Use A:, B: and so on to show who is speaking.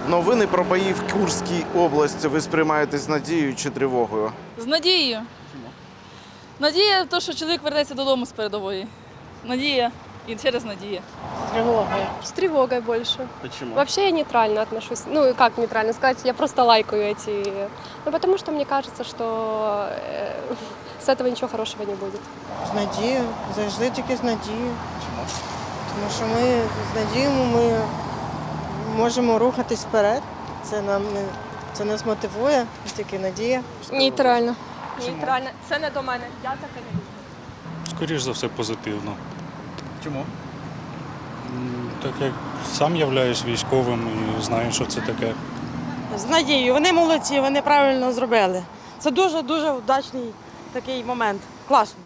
A: Новини про бої в Курській області ви сприймаєте з надією чи тривогою?
B: З надією.
A: Чому?
B: Надія в те, що чоловік вернеться додому з передової. Надія і через надію.
C: Тревогой.
D: С тревогой больше.
A: Чому?
D: Вообще я нейтрально отношусь. Ну, как нейтрально сказать, я просто лайкаю эти... Ну, потому что мне кажется, что с этого ничего хорошего не будет.
C: З надією, завжди тільки з надією. Чому? Тому що ми з надією ми можемо рухатись вперед. Це нас мотивує, тільки надія.
D: Нейтрально. Нейтрально. Це не до мене. Я таке не люблю.
E: Скоріш за все, позитивно.
A: Чому?
E: Так як сам являюсь військовим і знаю, що це таке.
F: З надією. Вони молодці, вони правильно зробили. Це дуже-дуже вдачний такий момент. Класно.